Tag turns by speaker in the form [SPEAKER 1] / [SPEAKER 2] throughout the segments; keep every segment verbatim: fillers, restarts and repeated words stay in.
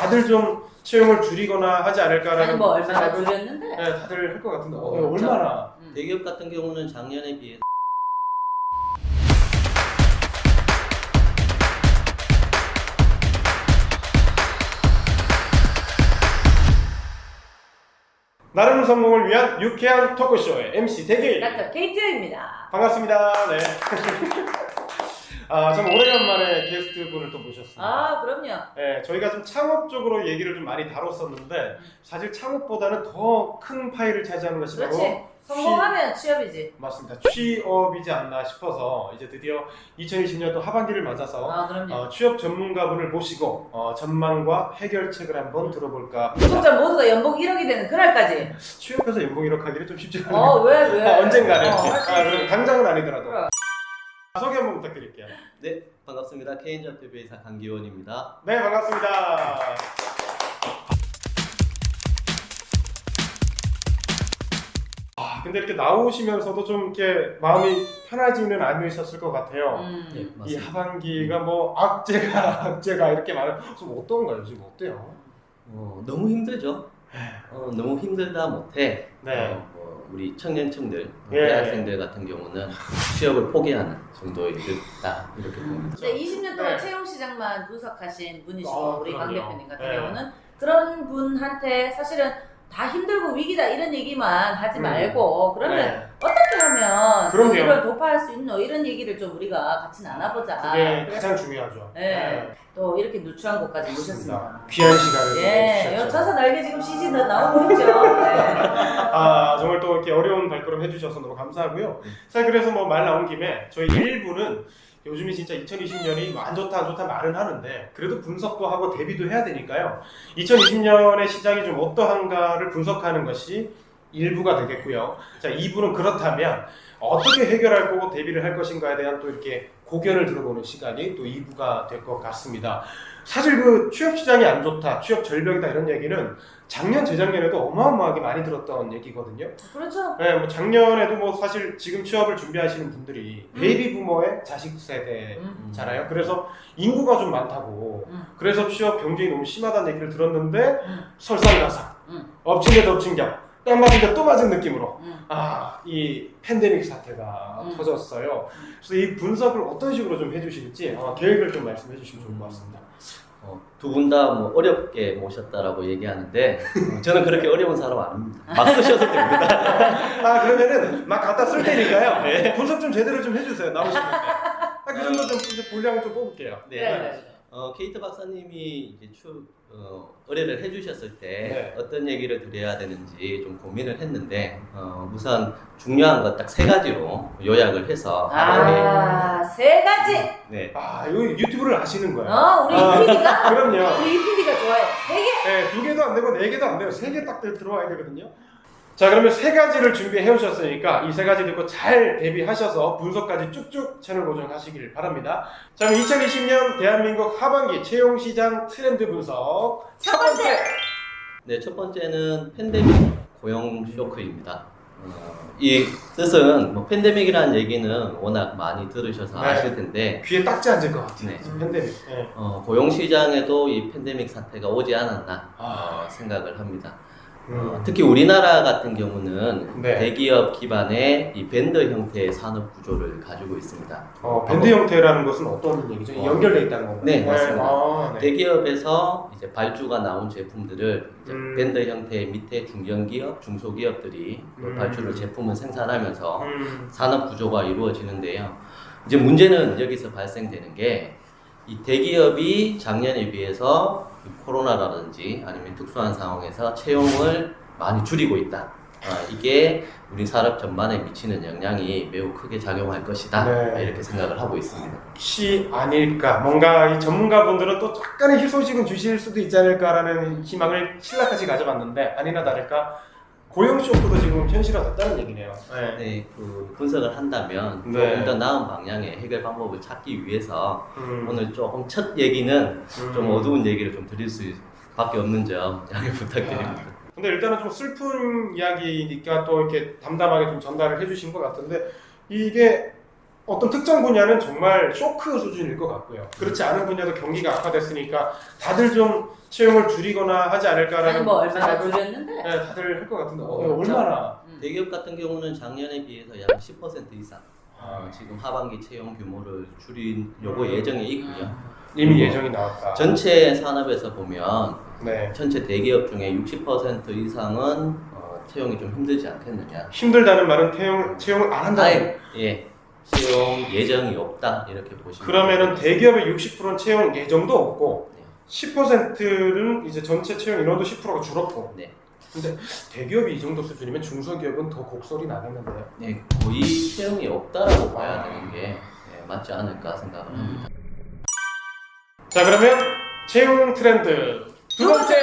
[SPEAKER 1] 다들 좀 채용을 줄이거나 하지 않을까라는
[SPEAKER 2] 아니 뭐 얼마나
[SPEAKER 1] 생각은,
[SPEAKER 2] 줄였는데?
[SPEAKER 1] 네, 다들 할 것 같은데 어,
[SPEAKER 3] 어,
[SPEAKER 1] 얼마나?
[SPEAKER 2] 음.
[SPEAKER 3] 대기업 같은 경우는 작년에 비해
[SPEAKER 1] 나름 성공을 위한 유쾌한 토크쇼의 엠씨 대길
[SPEAKER 2] 닥터 케이트입니다.
[SPEAKER 1] 반갑습니다. 네. 아, 참 오래간만에 게스트 분을 또 모셨습니다.
[SPEAKER 2] 아 그럼요.
[SPEAKER 1] 네, 저희가 좀 창업 쪽으로 얘기를 좀 많이 다뤘었는데 사실 창업보다는 더 큰 파일을 차지하는 것이 바로
[SPEAKER 2] 그렇지. 성공하면 취업이지.
[SPEAKER 1] 맞습니다. 취업이지 않나 싶어서 이제 드디어 이천이십 년도 하반기를 맞아서
[SPEAKER 2] 아 그럼요.
[SPEAKER 1] 어, 취업 전문가분을 모시고 어, 전망과 해결책을 한번 들어볼까.
[SPEAKER 2] 구독자 모두가 연봉 일억이 되는 그날까지.
[SPEAKER 1] 취업해서 연봉 일억 하기는 좀 쉽지 않아요.
[SPEAKER 2] 어 왜 왜?
[SPEAKER 1] 아, 언젠가는.
[SPEAKER 2] 어, 할수
[SPEAKER 1] 아,
[SPEAKER 2] 있지.
[SPEAKER 1] 그럼 당장은 아니더라도.
[SPEAKER 2] 그래.
[SPEAKER 1] 소개 한번 부탁드릴게요.
[SPEAKER 3] 네, 반갑습니다. 케이엔잡대표이사 강기원입니다.
[SPEAKER 1] 네, 반갑습니다. 아, 근데 이렇게 나오시면서도 좀 이렇게 마음이 편하지는 않으셨을 것 같아요.
[SPEAKER 2] 음.
[SPEAKER 3] 네,
[SPEAKER 1] 이
[SPEAKER 3] 맞습니다.
[SPEAKER 1] 하반기가 뭐 악재가 악재가 이렇게 많아요. 좀 어떤가요? 지금 어때요?
[SPEAKER 3] 어, 너무 힘들죠. 어, 너무 힘들다 못해
[SPEAKER 1] 네.
[SPEAKER 3] 어, 뭐 우리 청년층들,
[SPEAKER 1] 예.
[SPEAKER 3] 대학생들 같은 경우는 취업을 포기하는 정도에 이르다 이렇게 봅니다.
[SPEAKER 2] 근데 이십 년 동안
[SPEAKER 1] 네.
[SPEAKER 2] 채용 시장만 분석하신 분이시고
[SPEAKER 1] 아,
[SPEAKER 2] 우리 강
[SPEAKER 1] 그럼요.
[SPEAKER 2] 대표님 같은
[SPEAKER 1] 네.
[SPEAKER 2] 경우는 그런 분한테 사실은 다 힘들고 위기다 이런 얘기만 하지
[SPEAKER 1] 음.
[SPEAKER 2] 말고 그러면
[SPEAKER 1] 네.
[SPEAKER 2] 어떻게 하면
[SPEAKER 1] 그럼요.
[SPEAKER 2] 이걸 돌파할 수 있노 이런 얘기를 좀 우리가 같이 나눠보자.
[SPEAKER 1] 그게
[SPEAKER 2] 그래서
[SPEAKER 1] 가장 중요하죠.
[SPEAKER 2] 네. 또 이렇게 누추한 곳까지 모셨습니다.
[SPEAKER 1] 맞습니다. 귀한 시간을
[SPEAKER 2] 예,
[SPEAKER 1] 주셨죠.
[SPEAKER 2] 요 저서 날개 지금 씨지 나오고 있죠. 네.
[SPEAKER 1] 아, 정말 또 이렇게 어려운 발걸음 해주셔서 너무 감사하고요. 사실 그래서 뭐 말 나온 김에 저희 일 부는 요즘이 진짜 이천이십 년이 안 좋다 안 좋다 말은 하는데 그래도 분석도 하고 대비도 해야 되니까요. 이천이십 년의 시장이 좀 어떠한가를 분석하는 것이 일 부가 되겠고요. 자, 이 부는 그렇다면 어떻게 해결할 거고 대비를 할 것인가에 대한 또 이렇게 고견을 들어보는 시간이 또 이 부가 될 것 같습니다. 사실 그 취업 시장이 안 좋다, 취업 절벽이다 이런 얘기는 작년, 재작년에도 어마어마하게 많이 들었던 얘기거든요.
[SPEAKER 2] 그렇죠.
[SPEAKER 1] 네, 뭐 작년에도 뭐 사실 지금 취업을 준비하시는 분들이
[SPEAKER 2] 음.
[SPEAKER 1] 베이비 부머의 자식 세대잖아요.
[SPEAKER 2] 음.
[SPEAKER 1] 그래서 인구가 좀 많다고.
[SPEAKER 2] 음.
[SPEAKER 1] 그래서 취업 경쟁이 너무 심하다는 얘기를 들었는데
[SPEAKER 2] 음.
[SPEAKER 1] 설상가상,
[SPEAKER 2] 음.
[SPEAKER 1] 엎친 데 덮친 격, 딱 맞은 데 또 맞은 느낌으로
[SPEAKER 2] 음.
[SPEAKER 1] 아, 이 팬데믹 사태가
[SPEAKER 2] 음.
[SPEAKER 1] 터졌어요. 그래서 이 분석을 어떤 식으로 좀 해주실지 어, 계획을 좀 말씀해 주시면 좋을 것 같습니다.
[SPEAKER 3] 어, 두 분 다 뭐 어렵게 모셨다라고 얘기하는데 어, 저는 그렇게 어려운 사람 아닙니다. 막 쓰셔도 됩니다.
[SPEAKER 1] 아, 그러면은 막 갖다 쓸 테니까요. 네. 분석 좀 제대로 좀 해주세요. 나오시면. 아, 그 정도 좀 이제 분량을 좀 뽑을게요.
[SPEAKER 3] 네.
[SPEAKER 2] 네. 네.
[SPEAKER 3] 어, 케이트 박사님이 이제 추, 어, 의뢰를 해주셨을 때
[SPEAKER 1] 네.
[SPEAKER 3] 어떤 얘기를 드려야 되는지 좀 고민을 했는데 어, 우선 중요한 것 딱 세 가지로 요약을 해서
[SPEAKER 2] 아, 세 가지.
[SPEAKER 3] 네.
[SPEAKER 1] 아, 이거 유튜브를 아시는 거예요.
[SPEAKER 2] 어, 우리
[SPEAKER 1] 아,
[SPEAKER 2] 이 피디가
[SPEAKER 1] 그럼요.
[SPEAKER 2] 우리 이 피디가 좋아요. 세 개.
[SPEAKER 1] 네, 두 개도 안 되고 네 개도 안 돼요. 세 개 딱 들어와야 되거든요. 자, 그러면 세 가지를 준비해 오셨으니까 이 세 가지 듣고 잘 대비하셔서 분석까지 쭉쭉 채널 고정하시길 바랍니다. 자, 그럼 이천이십 년 대한민국 하반기 채용 시장 트렌드 분석
[SPEAKER 2] 첫 번째.
[SPEAKER 3] 네, 첫 번째는 팬데믹 고용 쇼크입니다. 어, 이 뜻은 뭐 팬데믹이라는 얘기는 워낙 많이 들으셔서
[SPEAKER 1] 네.
[SPEAKER 3] 아실 텐데
[SPEAKER 1] 귀에 딱지 앉을 것 같아요.
[SPEAKER 3] 네.
[SPEAKER 1] 팬데믹. 네.
[SPEAKER 3] 어, 고용 시장에도 이 팬데믹 사태가 오지 않았나
[SPEAKER 1] 아.
[SPEAKER 3] 어, 생각을 합니다.
[SPEAKER 1] 음.
[SPEAKER 3] 어, 특히 우리나라 같은 경우는
[SPEAKER 1] 네.
[SPEAKER 3] 대기업 기반의 이 밴드 형태의 산업 구조를 가지고 있습니다.
[SPEAKER 1] 어, 밴드 형태라는 것은 어떤 얘기죠?
[SPEAKER 3] 어.
[SPEAKER 1] 연결돼 있다는 건가요?
[SPEAKER 3] 네, 맞습니다.
[SPEAKER 1] 아, 네.
[SPEAKER 3] 대기업에서 이제 발주가 나온 제품들을 이제
[SPEAKER 1] 음.
[SPEAKER 3] 밴드 형태의 밑에 중견기업, 중소기업들이 그
[SPEAKER 1] 음.
[SPEAKER 3] 발주를 제품을 생산하면서
[SPEAKER 1] 음.
[SPEAKER 3] 산업 구조가 이루어지는데요. 이제 문제는 여기서 발생되는 게 이 대기업이 작년에 비해서 코로나라든지 아니면 특수한 상황에서 채용을 많이 줄이고 있다. 아, 이게 우리 산업 전반에 미치는 영향이 매우 크게 작용할 것이다.
[SPEAKER 1] 네.
[SPEAKER 3] 이렇게 생각을 하고 있습니다.
[SPEAKER 1] 혹시 아닐까? 뭔가 이 전문가분들은 또 약간의 희소식은 주실 수도 있지 않을까라는 희망을 신랄하게 가져봤는데 아니나 다를까 고용 쇼크도 지금 현실화됐다는 얘기네요. 네.
[SPEAKER 3] 네, 그 분석을 한다면
[SPEAKER 1] 네.
[SPEAKER 3] 조금 더 나은 방향의 해결 방법을 찾기 위해서
[SPEAKER 1] 음.
[SPEAKER 3] 오늘 조금 첫 얘기는
[SPEAKER 1] 음.
[SPEAKER 3] 좀 어두운 얘기를 좀 드릴 수밖에 없는 점 양해 부탁드립니다.
[SPEAKER 1] 근데 일단은 좀 슬픈 이야기니까 또 이렇게 담담하게 좀 전달을 해주신 것 같은데 이게 어떤 특정 분야는 정말 쇼크 수준일 것 같고요. 그렇지 않은 분야도 경기가 악화됐으니까 다들 좀 채용을 줄이거나 하지 않을까라는
[SPEAKER 2] 아니 뭐 얼마나
[SPEAKER 1] 생각은,
[SPEAKER 2] 줄였는데?
[SPEAKER 1] 네, 다들 할 것 같은데 어,
[SPEAKER 3] 어,
[SPEAKER 1] 얼마나?
[SPEAKER 2] 음.
[SPEAKER 3] 대기업 같은 경우는 작년에 비해서 약 십 퍼센트 이상 어,
[SPEAKER 1] 아,
[SPEAKER 3] 지금 하반기 채용 규모를 줄이려고
[SPEAKER 1] 음.
[SPEAKER 3] 예정에 있고요.
[SPEAKER 1] 이미 예정이 나왔다.
[SPEAKER 3] 전체 산업에서 보면
[SPEAKER 1] 네.
[SPEAKER 3] 전체 대기업 중에 육십 퍼센트 이상은 어, 채용이 좀 힘들지 않겠느냐.
[SPEAKER 1] 힘들다는 말은 채용, 채용을 안 한다는
[SPEAKER 3] 아예 예 채용 예정이 없다 이렇게 보시면
[SPEAKER 1] 그러면은
[SPEAKER 3] 되겠습니다.
[SPEAKER 1] 대기업의 육십 퍼센트는 채용 예정도 없고
[SPEAKER 3] 네.
[SPEAKER 1] 십 퍼센트는 이제 전체 채용 인원도 십 퍼센트가 줄었고
[SPEAKER 3] 네.
[SPEAKER 1] 근데 대기업이 이 정도 수준이면 중소기업은 더 곡소리 나겠는데요.
[SPEAKER 3] 네, 거의 채용이 없다라고 봐야 되는 게 예, 맞지 않을까 생각을 합니다.
[SPEAKER 1] 자 그러면 채용 트렌드 두 번째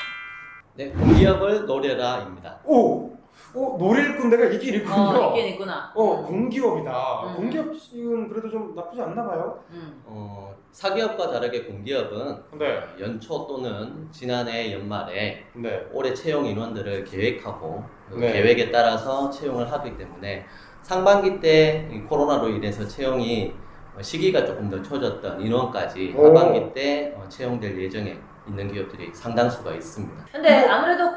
[SPEAKER 3] 네, 공기업을 노려라입니다.
[SPEAKER 1] 오! 오 노릴 군데가 있긴 있군요.
[SPEAKER 2] 어 있긴 있구나.
[SPEAKER 1] 어, 공기업이다.
[SPEAKER 2] 음.
[SPEAKER 1] 공기업은 그래도 좀 나쁘지 않나 봐요.
[SPEAKER 2] 음.
[SPEAKER 3] 어, 사기업과 다르게 공기업은
[SPEAKER 1] 네.
[SPEAKER 3] 연초 또는 지난해 연말에
[SPEAKER 1] 네.
[SPEAKER 3] 올해 채용 인원들을 계획하고 그
[SPEAKER 1] 네.
[SPEAKER 3] 계획에 따라서 채용을 하기 때문에 상반기 때 이 코로나로 인해서 채용이 어, 시기가 조금 늦춰졌던 인원까지
[SPEAKER 1] 오.
[SPEAKER 3] 하반기 때 어, 채용될 예정에 있는 기업들이 상당수가 있습니다.
[SPEAKER 2] 근데 아무래도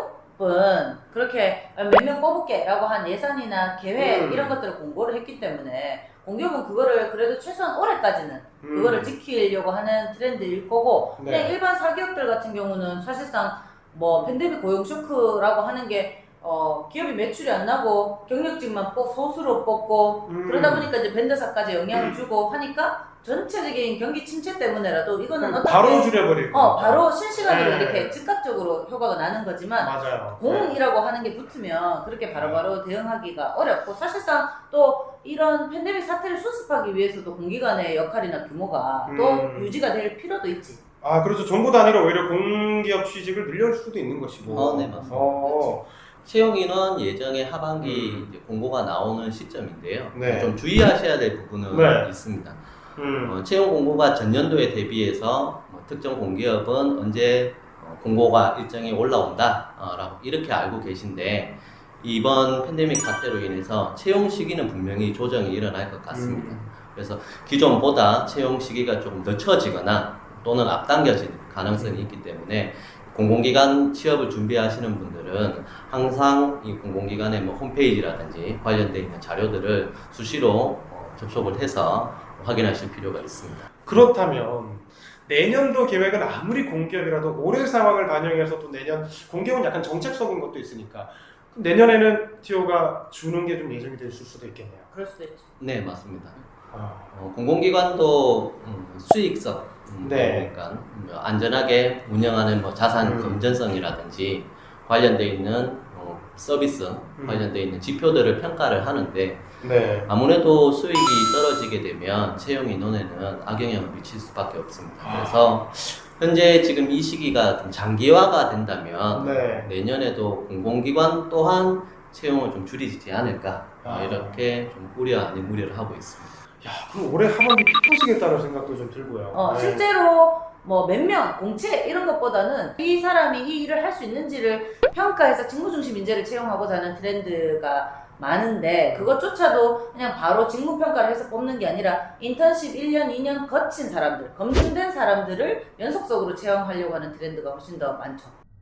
[SPEAKER 2] 공기업은 그렇게 몇 명 뽑을게 라고 한 예산이나 계획
[SPEAKER 1] 음.
[SPEAKER 2] 이런 것들을 공고를 했기 때문에 공기업은 그거를 그래도 최소한 올해까지는
[SPEAKER 1] 음.
[SPEAKER 2] 그거를 지키려고 하는 트렌드일 거고
[SPEAKER 1] 네.
[SPEAKER 2] 그냥 일반 사기업들 같은 경우는 사실상 뭐 팬데믹 고용 쇼크라고 하는 게 어, 기업이 매출이 안 나고 경력직만 뽑, 소수로 뽑고
[SPEAKER 1] 음.
[SPEAKER 2] 그러다 보니까 이제 벤더사까지 영향을 주고 하니까 전체적인 경기 침체 때문에라도 이거는 어떻게
[SPEAKER 1] 바로 줄여버릴
[SPEAKER 2] 어,
[SPEAKER 1] 거예요.
[SPEAKER 2] 바로 실시간으로
[SPEAKER 1] 네.
[SPEAKER 2] 이렇게 즉각적으로 효과가 나는 거지만
[SPEAKER 1] 맞아요.
[SPEAKER 2] 공이라고 하는 게 붙으면 그렇게 바로바로 대응하기가 어렵고 사실상 또 이런 팬데믹 사태를 수습하기 위해서도 공기관의 역할이나 규모가 또
[SPEAKER 1] 음.
[SPEAKER 2] 유지가 될 필요도 있지.
[SPEAKER 1] 아 그렇죠. 정부 단위로 오히려 공기업 취직을 늘릴 수도 있는 것이고.
[SPEAKER 3] 어, 네, 맞습니다.
[SPEAKER 1] 어,
[SPEAKER 3] 채용 인원 예정에 하반기
[SPEAKER 1] 음.
[SPEAKER 3] 이제 공고가 나오는 시점인데요.
[SPEAKER 1] 네.
[SPEAKER 3] 좀 주의하셔야 될 부분은
[SPEAKER 1] 네.
[SPEAKER 3] 있습니다.
[SPEAKER 1] 음.
[SPEAKER 3] 어, 채용 공고가 전년도에 대비해서 뭐 특정 공기업은 언제 어, 공고가 일정이 올라온다 어, 라고 이렇게 알고 계신데 이번 팬데믹 사태로 인해서 채용 시기는 분명히 조정이 일어날 것 같습니다.
[SPEAKER 1] 음.
[SPEAKER 3] 그래서 기존보다 채용 시기가 조금 늦춰지거나 또는 앞당겨질 가능성이 있기 때문에 공공기관 취업을 준비하시는 분들은 항상 이 공공기관의 뭐 홈페이지라든지 관련되어 있는 자료들을 수시로 어, 접속을 해서 확인하실 필요가 있습니다.
[SPEAKER 1] 그렇다면 내년도 계획은 아무리 공기업이라도 올해 상황을 반영해서 또 내년 공기업은 약간 정책적인 것도 있으니까 내년에는 티오가 주는 게 좀 예정이 될 수도 있겠네요.
[SPEAKER 2] 그럴 수도 있지.
[SPEAKER 3] 네, 맞습니다.
[SPEAKER 1] 아,
[SPEAKER 3] 어, 공공기관도 음, 수익성, 음,
[SPEAKER 1] 네.
[SPEAKER 3] 그러니까 음, 안전하게 운영하는 뭐 자산
[SPEAKER 1] 음.
[SPEAKER 3] 건전성이라든지 관련되어 있는 어, 서비스,
[SPEAKER 1] 음.
[SPEAKER 3] 관련되어 있는 지표들을 평가를 하는데
[SPEAKER 1] 네.
[SPEAKER 3] 아무래도 수익이 떨어지게 되면 채용 인원에는 악영향을 미칠 수밖에 없습니다.
[SPEAKER 1] 아.
[SPEAKER 3] 그래서 현재 지금 이 시기가 좀 장기화가 된다면
[SPEAKER 1] 네.
[SPEAKER 3] 내년에도 공공기관 또한 채용을 좀 줄이지 않을까 어,
[SPEAKER 1] 아.
[SPEAKER 3] 이렇게 좀 우려 아닌 우려를 하고 있습니다.
[SPEAKER 1] 야, 그럼 올해 하반기 피 터지겠다는 생각도 좀 들고요.
[SPEAKER 2] 어,
[SPEAKER 1] 네.
[SPEAKER 2] 실제로 뭐 몇 명, 공채 이런 것보다는 이 사람이 이 일을 할 수 있는지를 평가해서 직무 중심 인재를 채용하고자 하는 트렌드가 많은데 그것조차도 그냥 바로 직무 평가를 해서 뽑는 게 아니라 인턴십 일 년, 이 년 거친 사람들, 검증된 사람들을 연속적으로 채용하려고 하는 트렌드가 훨씬 더 많죠.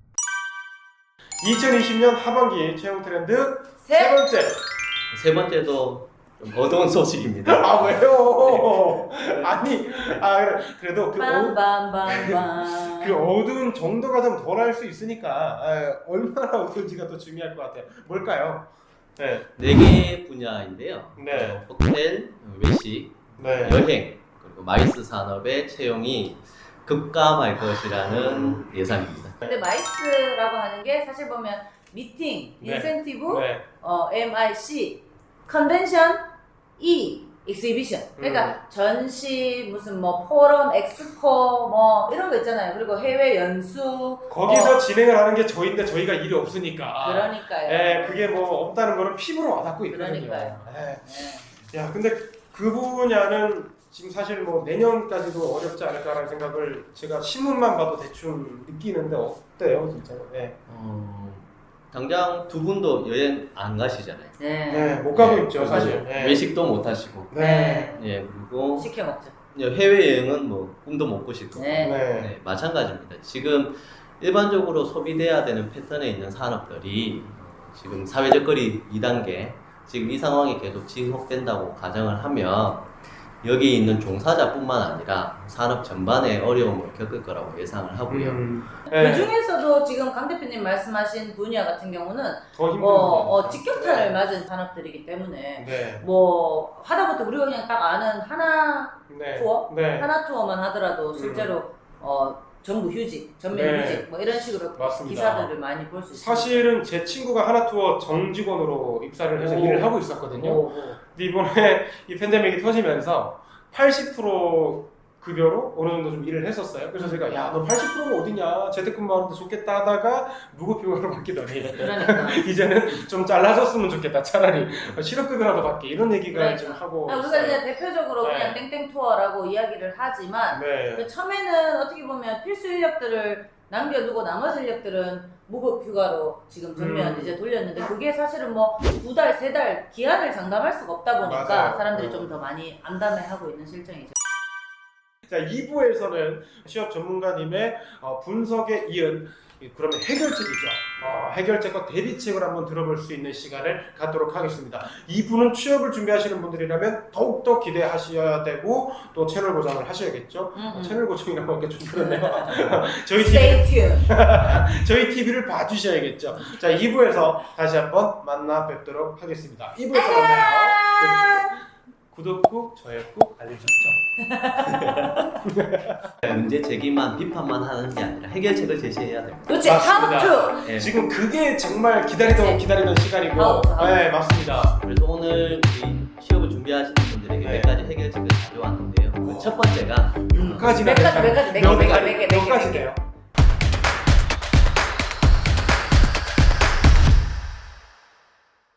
[SPEAKER 1] 이천이십 년 하반기 채용 트렌드 세
[SPEAKER 2] 셋!
[SPEAKER 1] 번째.
[SPEAKER 3] 세 번째도 좀 어두운 소식입니다.
[SPEAKER 1] 아 왜요? 아니, 아 그래, 그래도 그, 어,
[SPEAKER 2] 빰빰빰빰.
[SPEAKER 1] 그 어두운 정도가 좀 덜할 수 있으니까 아, 얼마나 어두운지가 더 중요할 것 같아요. 뭘까요? 네,
[SPEAKER 3] 네 개 분야인데요.
[SPEAKER 1] 네.
[SPEAKER 3] 어, 호텔, 외식,
[SPEAKER 1] 네.
[SPEAKER 3] 여행, 그리고 마이스 산업의 채용이 급감할 것이라는 예상입니다.
[SPEAKER 2] 근데 마이스라고 하는 게 사실 보면 미팅,
[SPEAKER 1] 네.
[SPEAKER 2] 인센티브,
[SPEAKER 1] 네.
[SPEAKER 2] 어, 엠아이씨, 컨벤션, E, 익스히비션. 그러니까
[SPEAKER 1] 음.
[SPEAKER 2] 전시, 무슨 뭐 포럼, 엑스포 뭐 이런 거 있잖아요. 그리고 해외 연수.
[SPEAKER 1] 거기서
[SPEAKER 2] 어,
[SPEAKER 1] 진행을 하는 게 저희인데 저희가 일이 없으니까.
[SPEAKER 2] 그러니까요.
[SPEAKER 1] 예, 그게 뭐 없다는 거는 피부로 와닿고 있거든요.
[SPEAKER 2] 그러니까요.
[SPEAKER 1] 예.
[SPEAKER 2] 네.
[SPEAKER 1] 야, 근데 그 분야는 지금 사실 뭐 내년까지도 어렵지 않을까라는 생각을 제가 신문만 봐도 대충 느끼는데 어때요, 진짜? 예.
[SPEAKER 3] 어, 당장 두 분도 여행 안 가시잖아요.
[SPEAKER 2] 네.
[SPEAKER 1] 네, 못 가고
[SPEAKER 3] 네,
[SPEAKER 1] 있죠,
[SPEAKER 3] 그리고
[SPEAKER 1] 사실. 네.
[SPEAKER 3] 외식도 못 하시고.
[SPEAKER 1] 네.
[SPEAKER 3] 예, 그리고
[SPEAKER 2] 시켜 먹죠.
[SPEAKER 3] 해외 여행은 뭐 꿈도 못 꾸시고.
[SPEAKER 2] 네.
[SPEAKER 1] 네.
[SPEAKER 3] 네, 마찬가지입니다. 지금 일반적으로 소비돼야 되는 패턴에 있는 산업들이 지금 사회적 거리 이 단계, 지금 이 상황이 계속 지속된다고 가정을 하면 여기 있는 종사자뿐만 아니라 산업 전반에 어려움을 겪을 거라고 예상을 하고요.
[SPEAKER 1] 음.
[SPEAKER 2] 그
[SPEAKER 1] 네.
[SPEAKER 2] 중에서도 지금 강 대표님 말씀하신 분야 같은 경우는
[SPEAKER 1] 더 힘든
[SPEAKER 2] 뭐 어,
[SPEAKER 1] 거니까.
[SPEAKER 2] 직격탄을 맞은 산업들이기 때문에
[SPEAKER 1] 네.
[SPEAKER 2] 뭐 하다못해 우리가 그냥 딱 아는 하나
[SPEAKER 1] 네.
[SPEAKER 2] 투어?
[SPEAKER 1] 네.
[SPEAKER 2] 하나 투어만 하더라도 실제로 어 전부 휴직, 전면
[SPEAKER 1] 네.
[SPEAKER 2] 휴직 뭐 이런 식으로
[SPEAKER 1] 맞습니다.
[SPEAKER 2] 기사들을 많이 볼 수 있습니다.
[SPEAKER 1] 사실은 제 친구가 하나투어 정직원으로 입사를 해서
[SPEAKER 2] 오.
[SPEAKER 1] 일을 하고 있었거든요.
[SPEAKER 2] 오, 오.
[SPEAKER 1] 근데 이번에 이 팬데믹이 터지면서 팔십 퍼센트 급여로 어느 정도 좀 일을 했었어요. 그래서 제가 야, 너 팔십 퍼센트가 어디냐? 재택근무하는데 좋겠다 하다가 무급휴가로 바뀌더니
[SPEAKER 2] 그러니까
[SPEAKER 1] 이제는 좀 잘라줬으면 좋겠다. 차라리 실업급여라도 받게 이런 얘기가
[SPEAKER 2] 그러니까.
[SPEAKER 1] 좀 하고
[SPEAKER 2] 아, 우리가
[SPEAKER 1] 있어요.
[SPEAKER 2] 이제 대표적으로
[SPEAKER 1] 네.
[SPEAKER 2] 그냥 땡땡 투어라고 이야기를 하지만
[SPEAKER 1] 네.
[SPEAKER 2] 그 처음에는 어떻게 보면 필수 인력들을 남겨두고 나머지 인력들은 무급 휴가로 지금 전면
[SPEAKER 1] 음.
[SPEAKER 2] 이제 돌렸는데 그게 사실은 뭐 두 달, 세 달 기한을 장담할 수가 없다 보니까
[SPEAKER 1] 맞아요.
[SPEAKER 2] 사람들이
[SPEAKER 1] 음.
[SPEAKER 2] 좀 더 많이 암담해하고 있는 실정이죠.
[SPEAKER 1] 자, 이 부에서는 취업 전문가님의 어, 분석에 이은 이- 그러면 해결책이죠. 어, 해결책과 대비책을 한번 들어볼 수 있는 시간을 갖도록 하겠습니다. 이 부는 취업을 준비하시는 분들이라면 더욱더 기대하셔야 되고 또 채널 고정을 하셔야겠죠.
[SPEAKER 2] 음, 음.
[SPEAKER 1] 채널 고정이라고 하니까 좀 그렇네요. 저희 티비,
[SPEAKER 2] Stay tuned.
[SPEAKER 1] 저희 티비를 봐주셔야겠죠. 자, 이 부에서 다시 한번 만나 뵙도록 하겠습니다. 이 부에서 만나요.
[SPEAKER 2] 아~
[SPEAKER 1] 구독 꾹, 좋아요 꾹, 알림 설정.
[SPEAKER 3] 문제 제기만 비판만 하는 게 아니라 해결책을 제시해야 됩니다.
[SPEAKER 2] 그렇지.
[SPEAKER 1] 맞습니다.
[SPEAKER 2] How to.
[SPEAKER 3] 예.
[SPEAKER 1] 지금 그게 정말 기다리던
[SPEAKER 2] 그치.
[SPEAKER 1] 기다리던 시간이고,
[SPEAKER 2] 아웃, 아웃.
[SPEAKER 1] 네 맞습니다.
[SPEAKER 3] 그래서 오늘 이 취업을 준비하시는 분들에게
[SPEAKER 1] 네.
[SPEAKER 3] 몇 가지 해결책을 가져왔는데요. 첫 번째가
[SPEAKER 1] 몇 가지나
[SPEAKER 2] 몇 가지, 몇 가지, 몇 개, 몇 개, 몇 개, 몇 개,
[SPEAKER 1] 몇 가지네요.